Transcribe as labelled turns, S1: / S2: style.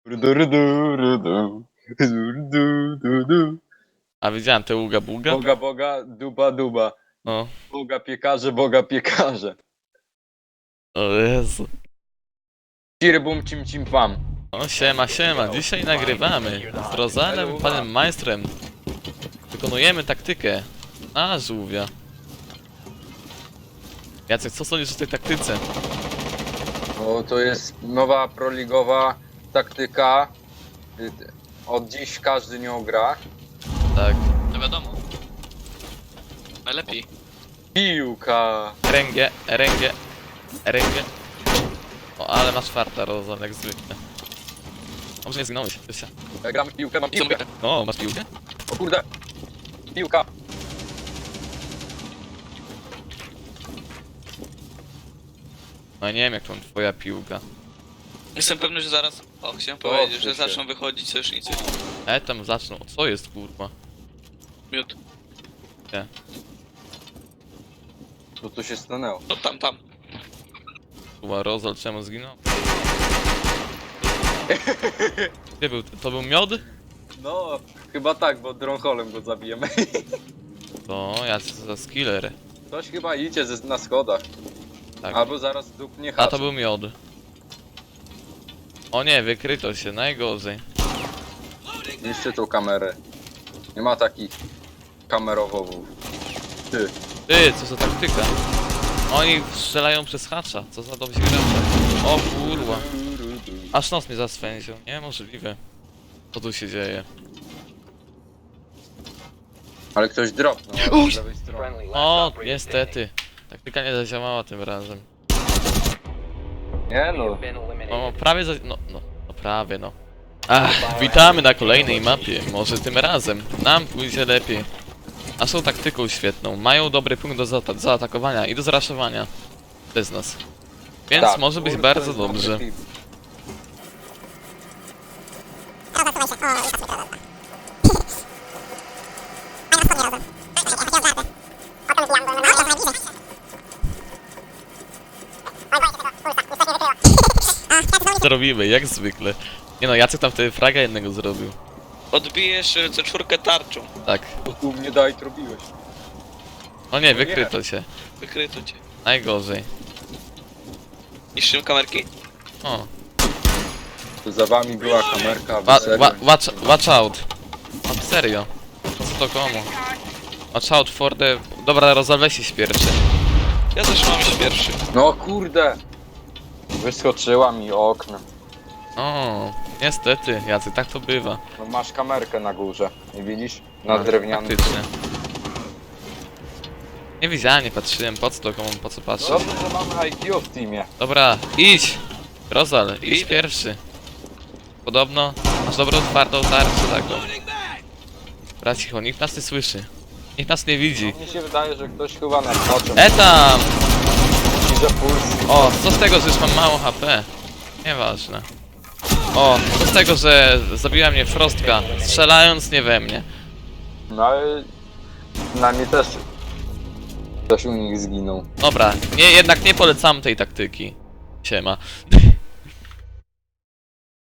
S1: Rudu, rudu, rudu. Rudu, rudu.
S2: A widziałem te uga buga?
S1: Boga, boga, duba, duba.
S2: O,
S1: Boga piekarze.
S2: o Jezu.
S1: Cirbum, cim, cim, pam.
S2: O, siema, siema. Dzisiaj nagrywamy z Rozalem, panem majstrem. Wykonujemy taktykę na żółwia. Jacek, co sądzisz o tej taktyce?
S1: O, to jest nowa proligowa taktyka. Od dziś każdy nią gra.
S2: Tak.
S3: No wiadomo. Najlepiej.
S1: Piłka.
S2: Ręgie, ręgie, ręgie. O, ale masz farta, Rozal, jak zwykle. Może nie zginąłeś, Krysia.
S1: Gramy w piłkę, mam piłkę.
S2: O, masz piłkę?
S1: O kurde. Piłka.
S2: No nie wiem, jak to twoja piłka.
S3: Jestem pewny, że zaraz. O, chciałem
S1: To
S3: powiedzieć, że
S1: odsuń się.
S3: zaczną wychodzić sojusznicy.
S2: Tam zaczną. O, co jest, kurwa?
S3: Miód.
S1: Co tu się stanęło?
S3: No tam.
S2: Kurwa, Rozal, czemu zginął? Gdzie był? To był miod?
S1: No, chyba tak, bo dronholem go zabijemy.
S2: To ja co za skiller.
S1: Ktoś chyba idzie na schodach.
S2: Tak.
S1: Albo zaraz dupnie
S2: A
S1: hacz.
S2: to był miod. O nie, wykryto się, najgorzej.
S1: Niszczy tą kamerę. Nie ma takich kamerowowów. Ty.
S2: Ty, co za taktyka? Oni strzelają przez hacza, co za dobrzy gracze. O kurwa. Aż nos mnie zaswędził, niemożliwe. Co tu się dzieje?
S1: Ale ktoś dropnął z lewej strony.
S2: O, niestety. Taktyka nie zadziałała tym razem.
S1: Nie no.
S2: No, prawie no prawie no. Ach, witamy na kolejnej mapie. Może tym razem nam pójdzie lepiej. A są taktyką świetną. Mają dobry punkt do zaatakowania i do zraszowania. Bez nas. Więc
S1: Tak,
S2: może być
S1: kurde,
S2: bardzo
S1: to jest
S2: dobrze.
S1: dobry tip.
S2: Zrobimy, jak zwykle. Nie no, Jacek tam wtedy fraga jednego zrobił.
S3: Odbijesz C4 tarczą.
S2: Tak.
S1: To tu mnie daj robiłeś.
S2: O nie, wykryto się.
S3: Wykryto cię.
S2: Najgorzej.
S3: Niszczymy kamerki?
S2: O.
S1: To za wami była kamerka,
S2: Wa
S1: wy serio?
S2: watch out. O, serio. Co to komu? Watch out for the... Dobra, rozalwę się pierwszy.
S3: Ja też mam iść pierwszy.
S1: No kurde! Wyskoczyła mi okno.
S2: O, niestety, Jacek, tak to bywa.
S1: No masz kamerkę na górze, nie widzisz? Na drewnianym.
S2: Faktycznie. Nie widziałem, nie patrzyłem, po co to komu, po co patrzeć.
S1: Dobrze, że mamy IQ w teamie.
S2: Dobra, idź! Rozal, idź
S3: Idę.
S2: pierwszy. Podobno masz dobrą, twardą tarczę taką. Dobra, cicho, nikt nas nie słyszy. Nikt nas nie widzi.
S1: Mnie się wydaje, że ktoś chyba nas oczem
S2: Tam!
S1: widzę puls.
S2: O, co z tego, że już mam mało HP? Nieważne. O, co z tego, że zabiła mnie Frostka, strzelając nie we mnie.
S1: No ale na mnie też ktoś u nich zginął.
S2: Dobra, jednak nie polecam tej taktyki. Siema.